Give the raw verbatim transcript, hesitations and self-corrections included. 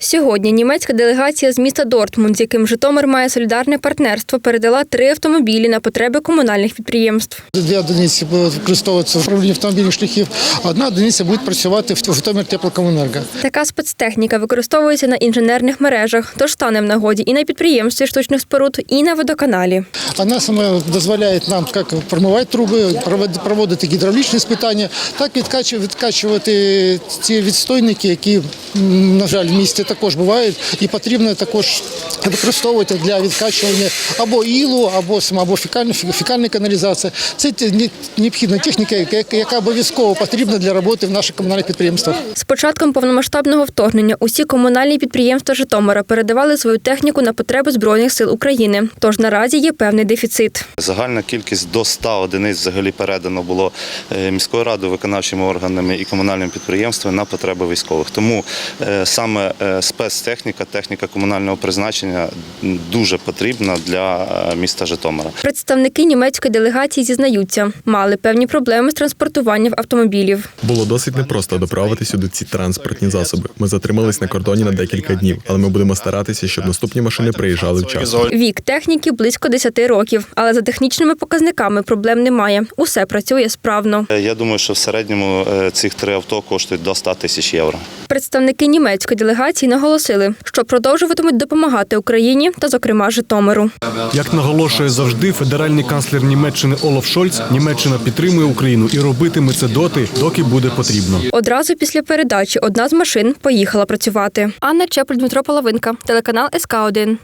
Сьогодні німецька делегація з міста Дортмунд, з яким Житомир має солідарне партнерство, передала три автомобілі на потреби комунальних підприємств. Дві одиниці будуть використовуватися в управлінні автомобільних шляхів, а одна одиниця буде працювати в Житомир теплокомуненерго. Така спецтехніка використовується на інженерних мережах, тож стане в нагоді і на підприємстві штучних споруд, і на водоканалі. Вона саме дозволяє нам як промивати труби, проводити гідравлічні спитання, так відкачувати ті відстойники, які, на жаль, в місті також бувають, і потрібно також використовувати для відкачування або ілу, або або фекальної каналізації. Це необхідна техніка, яка обов'язково потрібна для роботи в наших комунальних підприємствах. З початком повномасштабного вторгнення усі комунальні підприємства Житомира передавали свою техніку на потреби Збройних сил України. Тож наразі є певний дефіцит. Загальна кількість до ста одиниць взагалі передано було міською радою, виконавчими органами і комунальними підприємствами на потреби військових. Тому саме спецтехніка, техніка комунального призначення дуже потрібна для міста Житомира. Представники німецької делегації зізнаються, мали певні проблеми з транспортуванням автомобілів. Було досить непросто доправити сюди ці транспортні засоби. Ми затримались на кордоні на декілька днів, але ми будемо старатися, щоб наступні машини приїжджали вчасно. Вік техніки близько десяти років, але за технічними показниками проблем немає. Усе працює справно. Я думаю, що в середньому цих три авто коштують до ста тисяч євро. Представники німецької делегації наголосили, що продовжуватимуть допомагати Україні та, зокрема, Житомиру. Як наголошує завжди федеральний канцлер Німеччини Олаф Шольц, Німеччина підтримує Україну і робитиме це доти, доки буде потрібно. Одразу після передачі одна з машин поїхала працювати. Анна Чепель, Дмитро Половинка, телеканал ес ка один.